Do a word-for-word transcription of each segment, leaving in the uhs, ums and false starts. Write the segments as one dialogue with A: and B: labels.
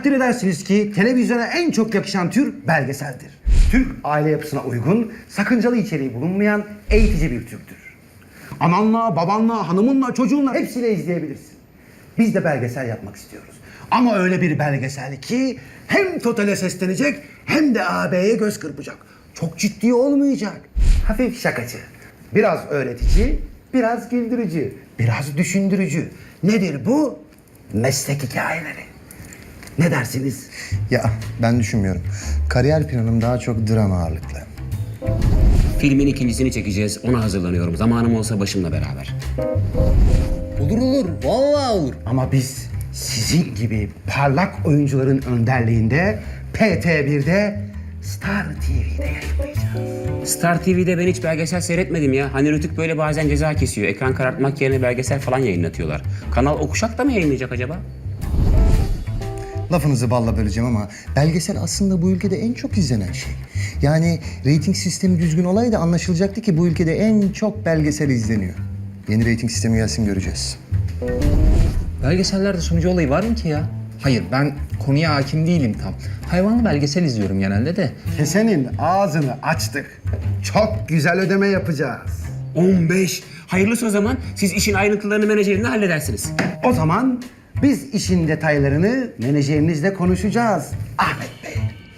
A: takdir edersiniz ki televizyona en çok yakışan tür belgeseldir. Türk aile yapısına uygun, sakıncalı içeriği bulunmayan eğitici bir türdür. Ananla, babanla, hanımınla, çocuğunla hepsiyle izleyebilirsin. Biz de belgesel yapmak istiyoruz. Ama öyle bir belgesel ki hem totale seslenecek hem de A B'ye göz kırpacak. Çok ciddi olmayacak. Hafif şakacı, biraz öğretici, biraz güldürücü, biraz düşündürücü. Nedir bu? Meslek hikayeleri. Ne dersiniz?
B: Ya ben düşünmüyorum. Kariyer planım daha çok dram ağırlıklı.
C: Filmin ikincisini çekeceğiz. Ona hazırlanıyorum. Zamanım olsa başımla beraber.
B: Olur olur, vallahi olur.
A: Ama biz sizin gibi parlak oyuncuların önderliğinde P T bir'de Star T V'de yayınlayacağız.
C: Star T V'de ben hiç belgesel seyretmedim ya. Hani Rütük böyle bazen ceza kesiyor. Ekran karartmak yerine belgesel falan yayınlatıyorlar. Kanal Okuşak da mı yayınlayacak acaba?
B: Lafınızı balla böleceğim ama belgesel aslında bu ülkede en çok izlenen şey. Yani reyting sistemi düzgün olaydı anlaşılacaktı ki bu ülkede en çok belgesel izleniyor. Yeni reyting sistemi gelsin göreceğiz.
D: Belgesellerde sunucu olayı var mı ki ya? Hayır, ben konuya hakim değilim tam. Hayvanlı belgesel izliyorum genelde de.
A: Kesenin ağzını açtık. Çok güzel ödeme yapacağız.
C: on beş. Hayırlısı o zaman. Siz işin ayrıntılarını menajerinle halledersiniz.
A: O zaman biz işin detaylarını menajerinizle konuşacağız. Ahmet Bey.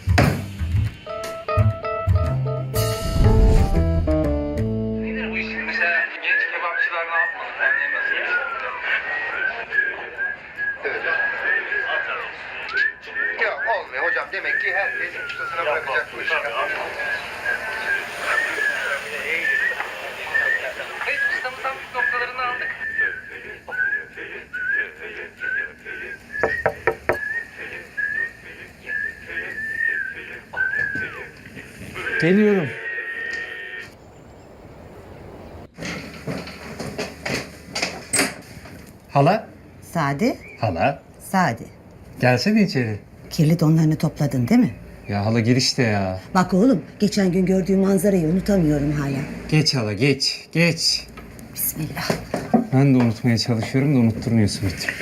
E: Nedir bu işin? Mesela genç kebapçılar ne yapmalı? Yani nasıl
B: Ya olmuyor hocam. Demek ki herkes ustasına bırakacak bu işi.
E: Evet, ustamızdan püf noktalarını aldık.
D: Geliyorum.
F: Hala,
G: Sadi,
F: hala.
G: Sadi.
F: Gelsene içeri.
G: Kirli donlarını topladın değil mi?
F: Ya hala girişte ya.
G: Bak oğlum, geçen gün gördüğüm manzarayı unutamıyorum hala.
F: Geç hala, geç, geç.
G: Bismillah.
F: Ben de unutmaya çalışıyorum da unutturmuyorsun bir türlü.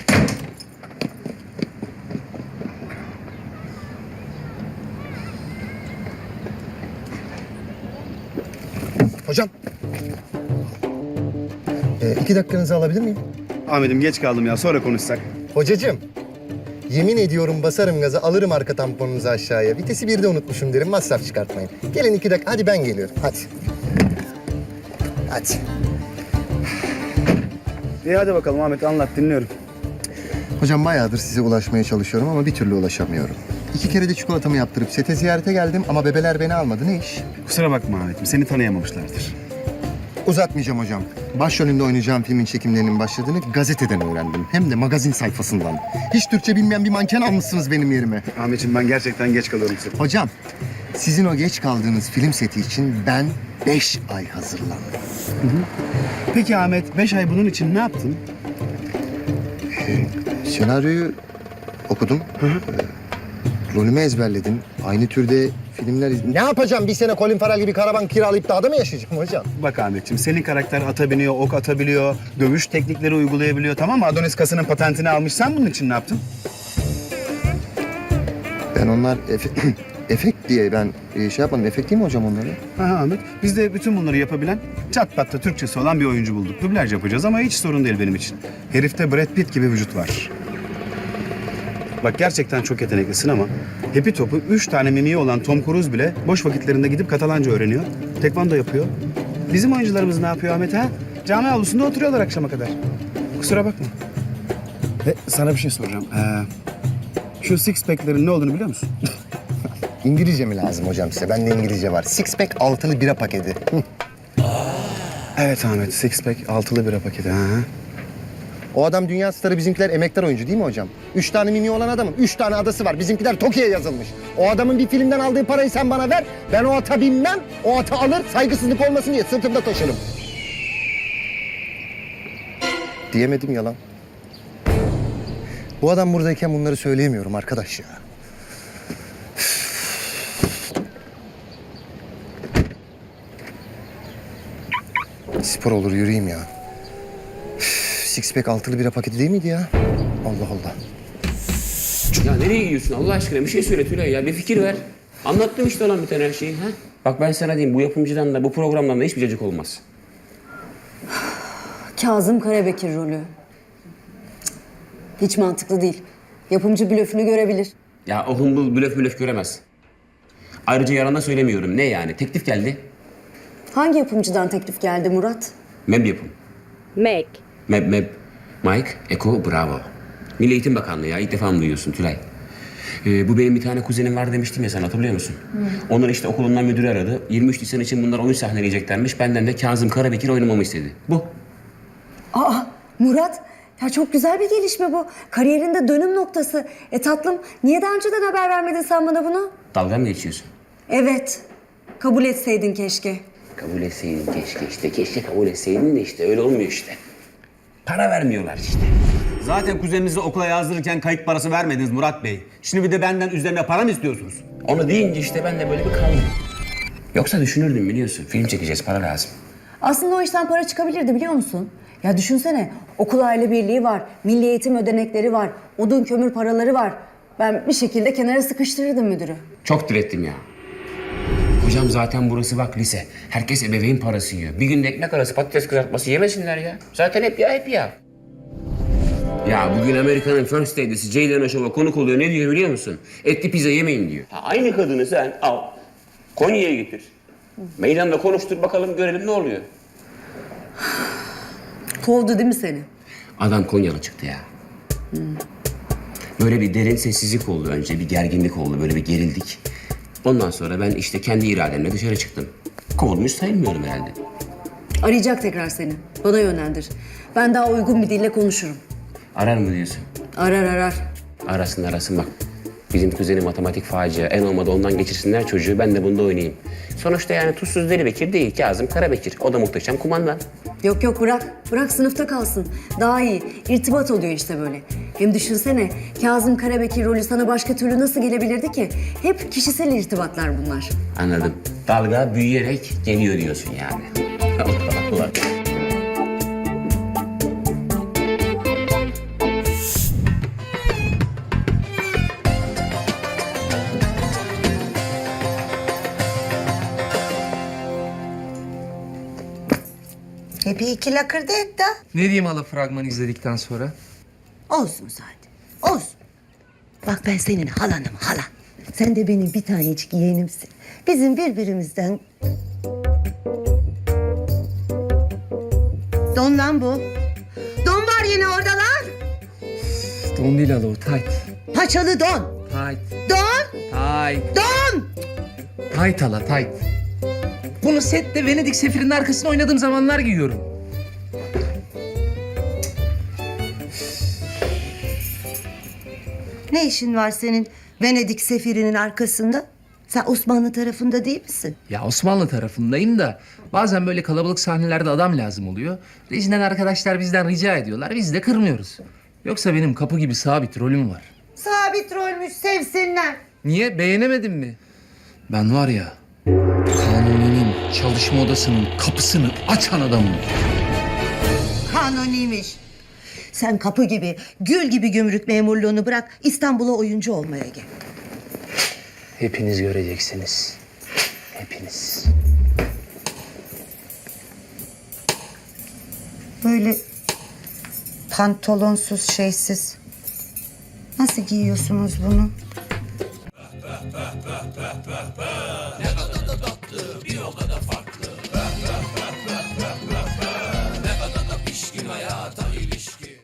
B: Hocam. Ee, iki dakikanızı alabilir miyim?
H: Ahmet'im geç kaldım ya. Sonra konuşsak.
B: Hocacığım. Yemin ediyorum basarım gaza alırım arka tamponunuzu aşağıya. Vitesi birde unutmuşum derim masraf çıkartmayın. Gelin iki dakika hadi ben geliyorum hadi. Hadi.
H: İyi hadi bakalım Ahmet anlat dinliyorum.
B: Hocam bayağıdır size ulaşmaya çalışıyorum ama bir türlü ulaşamıyorum. İki kere de çikolatamı yaptırıp sete ziyarete geldim ama bebeler beni almadı. Ne iş?
H: Kusura bakma Ahmet'im. Seni tanıyamamışlardır.
B: Uzatmayacağım hocam. Başrolünde oynayacağım filmin çekimlerinin başladığını gazeteden öğrendim. Hem de magazin sayfasından. Hiç Türkçe bilmeyen bir manken almışsınız benim yerime.
H: Ahmet'im ben gerçekten geç kalıyorum size.
B: Hocam, sizin o geç kaldığınız film seti için ben beş ay hazırlandım.
H: Peki Ahmet, beş ay bunun için ne yaptın?
B: Senaryoyu okudum. Ee, rolümü ezberledim. Aynı türde filmler... iz- Ne yapacağım? Bir sene Colin Farrell gibi karavan kiralayıp dağda mı yaşayacağım hocam?
H: Bak Ahmet'ciğim, senin karakter ata biniyor, ok atabiliyor, dövüş teknikleri uygulayabiliyor, tamam mı? Adonis kasının patentini almış. Sen bunun için ne yaptın?
B: Ben onlar efe- efekt diye ben e, şey yapmadım. Efekt değil mi hocam onları?
H: Aha Ahmet, biz de bütün bunları yapabilen, çat pat da Türkçesi olan bir oyuncu bulduk. Dublaj yapacağız ama hiç sorun değil benim için. Herifte Brad Pitt gibi vücut var. Bak gerçekten çok yeteneklisin ama hepi topu üç tane mimiği olan Tom Cruise bile boş vakitlerinde gidip Katalanca öğreniyor. Tekvando yapıyor. Bizim oyuncularımız ne yapıyor Ahmet ha? Cami avlusunda oturuyorlar akşama kadar. Kusura bakma. Ve sana bir şey soracağım. Ee, şu six pack'lerin ne olduğunu biliyor musun?
B: İngilizce mi lazım hocam size? Bende İngilizce var. Six pack altılı bira paketi. Hı.
H: Evet Ahmet, six pack altılı bira paketi. Ha.
B: O adam dünya starı, bizimkiler emektar oyuncu değil mi hocam? Üç tane mimi olan adamın üç tane adası var. Bizimkiler Tokyo'ya yazılmış. O adamın bir filmden aldığı parayı sen bana ver. Ben o ata binmem. O ata alır, saygısızlık olmasın diye sırtımda taşırım. Diyemedim yalan. Bu adam buradayken bunları söyleyemiyorum arkadaş ya. Spor olur yürüyeyim ya. Six pack altılı bira paketi değil miydi ya? Allah Allah.
C: Ya nereye gidiyorsun Allah aşkına? Bir şey söyle Tülay ya. Bir fikir ver. Anlattım işte olan bir tane her şeyi. Ha? Bak ben sana diyeyim bu yapımcıdan da bu programdan da hiçbir cacık olmaz.
I: Kazım Karabekir rolü. Cık, hiç mantıklı değil. Yapımcı blöfünü görebilir.
C: Ya o humbul blöf blöf göremez. Ayrıca yarana söylemiyorum. Ne yani? Teklif geldi.
I: Hangi yapımcıdan teklif geldi Murat?
C: Meb yapım.
I: Meg.
C: Meb meb. Mike, Eko, bravo. Milli Eğitim Bakanlığı ya. İlk defa mı duyuyorsun Tülay? Ee, bu benim bir tane kuzenim var demiştim ya sana hatırlıyor musun? Onlar işte okulundan müdürü aradı. yirmi üç Nisan için bunlar oyun sahneleyeceklermiş. Benden de Kazım Karabekir oynamamı istedi. Bu.
I: Aa Murat, ya çok güzel bir gelişme bu. Kariyerinde dönüm noktası. E tatlım, niye daha önceden haber vermedin sen bana bunu?
C: Dalga mı geçiyorsun?
I: Evet, kabul etseydin keşke.
C: Kabul etseydin keşke işte. Keşke kabul etseydin de işte öyle olmuyor işte. Para vermiyorlar işte.
J: Zaten kuzeninizi okula yazdırırken kayıt parası vermediniz Murat Bey. Şimdi bir de benden üzerine para mı istiyorsunuz?
C: Onu deyince işte ben de böyle bir kaldım. Yoksa düşünürdüm biliyorsun. Film çekeceğiz, para lazım.
I: Aslında o işten para çıkabilirdi biliyor musun? Ya düşünsene, okul aile birliği var, milli eğitim ödenekleri var, odun kömür paraları var. Ben bir şekilde kenara sıkıştırırdım müdürü.
C: Çok direttim ya. Hocam zaten burası bak lise. Herkes ebeveyn parası yiyor. Bir günde ekmek arası patates kızartması yemesinler ya. Zaten hep ya hep ya. Ya bugün Amerika'nın First Lady'si Ceylan Şov'a konuk oluyor. Ne diyor biliyor musun? Etli pizza yemeyin diyor. Ha, aynı kadını sen al. Konya'ya getir. Meydanda konuştur bakalım görelim ne oluyor.
I: Kovdu değil mi seni?
C: Adam Konyalı çıktı ya. Böyle bir derin sessizlik oldu önce. Bir gerginlik oldu. Böyle bir gerildik. Ondan sonra ben işte kendi irademle dışarı çıktım. Kovulmuş sayılmıyorum herhalde.
I: Arayacak tekrar seni. Bana yönlendir. Ben daha uygun bir dille konuşurum.
C: Arar mı diyorsun?
I: Arar arar.
C: Arasın arasın bak. Bizim kuzenim matematik facia. En olmadı ondan geçirsinler çocuğu. Ben de bunda oynayayım. Sonuçta yani tuzsuz Deli Bekir değil. Kazım Karabekir. O da muhteşem kumandan.
I: Yok yok bırak. Bırak sınıfta kalsın. Daha iyi. İrtibat oluyor işte böyle. Hem düşünsene Kazım Karabekir rolü sana başka türlü nasıl gelebilirdi ki? Hep kişisel irtibatlar bunlar.
C: Anladım. Dalga büyüyerek geliyor diyorsun yani. Allah Allah.
G: Hep iki lakırdı et de.
D: Ne diyeyim hala fragmanı izledikten sonra?
G: Olsun zaten. Olsun. Bak ben senin halanım halan. Sen de benim bir tanecik yeğenimsin. Bizim birbirimizden... Don lan bu. Don var yine oradalar.
D: Don değil hala o, tight.
G: Paçalı don.
D: Tight.
G: Don.
D: Tight.
G: Don.
D: Tight hala, tight. Bunu sette Venedik sefirinin arkasında oynadığım zamanlar giyiyorum.
G: Ne işin var senin Venedik sefirinin arkasında? Sen Osmanlı tarafında değil misin?
D: Ya Osmanlı tarafındayım da bazen böyle kalabalık sahnelerde adam lazım oluyor. Rejiden arkadaşlar bizden rica ediyorlar. Biz de kırmıyoruz. Yoksa benim kapı gibi sabit rolüm var.
G: Sabit rolmüş sevsinler.
D: Niye? Beğenemedin mi? Ben var ya, Kanuni'nin çalışma odasının kapısını açan adamım.
G: Kanuniymiş. Sen kapı gibi, gül gibi gümrük memurluğunu bırak, İstanbul'a oyuncu olmaya gel.
D: Hepiniz göreceksiniz. Hepiniz.
G: Böyle pantolonsuz, şeysiz. Nasıl giyiyorsunuz bunu?